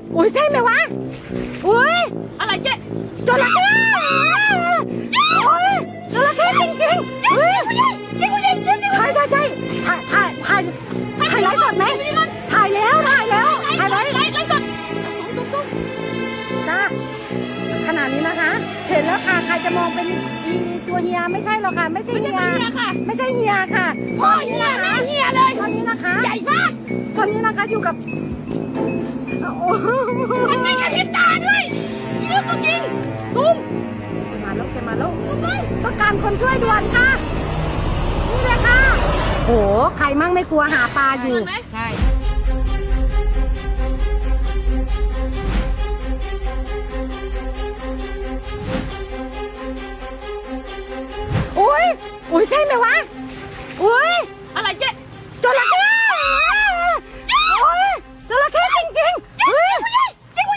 อุ้ยใช่ไหมวะอุ้ยอะไรเจ๊จระเข้โอ้ยจระเข้จริงๆเฮ้ยใช่ถ่ายไลฟ์สดไหมถ่ายแล้วถ่ายไว้ไลฟ์สดจ้าขนาดนี้นะคะเห็นแล้วค่ะใครจะมองเป็นตัวเฮียไม่ใช่หรอกค่ะไม่ใช่เฮียไม่ใช่เฮียค่ะพ่อเฮียแม่เฮียเลยตอนนี้นะคะใหญ่มากตอนนี้นะคะอยู่กับมันไม่กระพริบตาด้วยเยอะตัวจริงซูมมาแล้วต้องการคนช่วยด่วนค่ะนี่เลยค่ะโอ้ใครมั่งไม่กลัวหาปลาอยู่ใช่อุ้ยใช่ไหมวะอุ้ยอะไรเจ๊จระเข้โอ้ยจระเข้จริงๆเฮ้ยใช่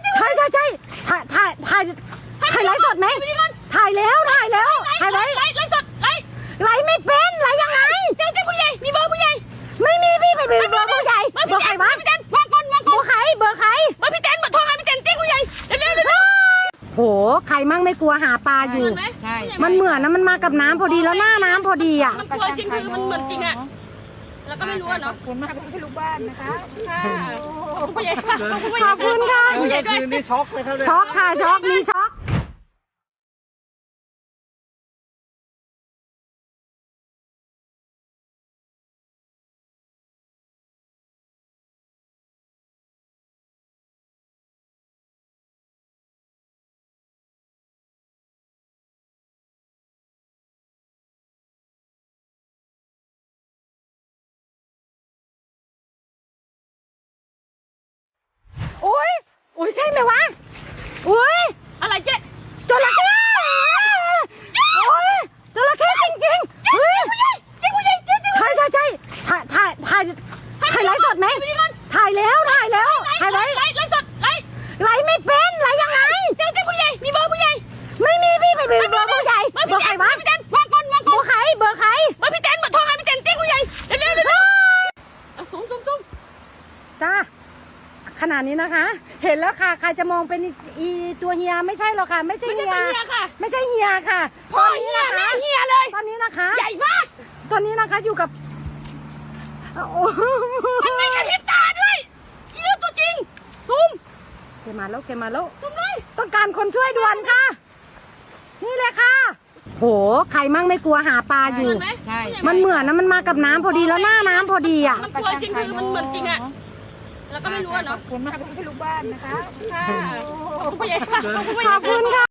ถ่ายไลฟ์สดไหมถ่ายแล้วถ่ายไว้ไลฟ์สดไลฟ์ไม่เป็นไลฟ์ยังไงเจ๊ผู้ใหญ่มีเบอร์ผู้ใหญ่ไม่มีพี่ไม่มีเบอร์ผู้ใหญ่เบอร์ใครวะพี่แตนวางก่อนเบอร์ใครเบอร์พี่แตนโทรหาพี่แตนเจ๊ผู้ใหญ่เร็วโหใครมั่งไม่กลัวหาปลาอยู่มันเหมือนนะมันมากับน้ำพอดีแล้วหน้าน้ำพอดีอ่ะมันสวยจริงคือมันเหมือนจริงอ่ะแล้วก็ไม่รู้เนาะขอบคุณมากที่ลูกบ้านนะคะผู้ใหญ่ขอบคุณค่ะคืนนี้ช็อกเลยครับช็อกค่ะช็อกมีช็อกอุ้ยใช่ไหมวะอุ้ยอะไรเจ๊จระเข้โอ้ยจระเข้จริงๆเฮ้ยเจ๊ผู้ใหญ่ใช่ถ่ายไลฟ์สดไหมถ่ายแล้วถ่ายไว้ไลฟ์สดไลฟ์ไม่เป็นไลฟ์ยังไงเจ๊ผู้ใหญ่มีเบอร์ผู้ใหญ่ไม่มีพี่ไม่มีเบอร์ผู้ใหญ่เบอร์ใครวะพี่แตนวางก่อนเบอร์ใครพี่แตนโทรหาพี่แตนเจ๊ผู้ใหญ่เร็วซูมจ้าขนาดนี้นะคะเห็นแล้วค่ะใครจะมองเป็นตัวเฮียไม่ใช่หรอกค่ะไม่ใช่เฮียไม่ใช่เฮียค่ะพ่อเฮียแม่เฮียเลยตอนนี้นะคะใหญ่มากตอนนี้นะคะอยู่กับมันไม่กระพริบตาด้วยเยอะตัวจริงซูมมาแล้วซูมเลยต้องการคนช่วยด่วนค่ะนี่เลยค่ะโหใครมั่งไม่กลัวหาปลาอยู่มันเหมือนนะมันมากับน้ำพอดีแล้วหน้าน้ำพอดีอ่ะมันสวยจริงคือมันเหมือนจริงอ่ะแล้วก็ไม่รู้เนาะขอบคุณมากที่ลูกบ้านนะคะผู้ใหญ่ขอบคุณค่ะ